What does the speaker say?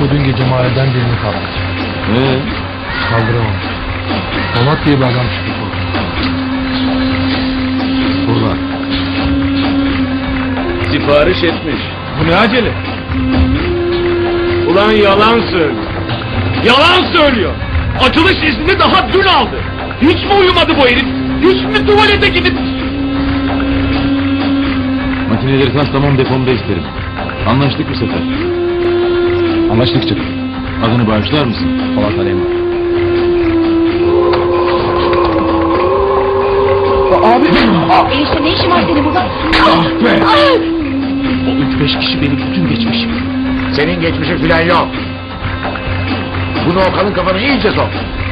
Beko dün gece mahalleden birini kaldırdı. Kaldıramamış. Polat diye bir adam çıktı korkudan. Burada. Sipariş etmiş. Bu ne acele? Ulan yalan söylüyor. Yalan söylüyor. Açılış izni daha dün aldı. Hiç mi uyumadı bu herif? Hiç mi tuvalete gidip... Makineleri tamam depomda isterim. Anlaştık bu sefer. Anlaştık çık. Adını bağışlar mısın? Polat Alemdar. Abi! Enişte ne işin var senin burada? O 3-5 kişi benim bütün geçmişim. Senin geçmişin filan yok. Bunu Okan'ın kafanı iyice sok.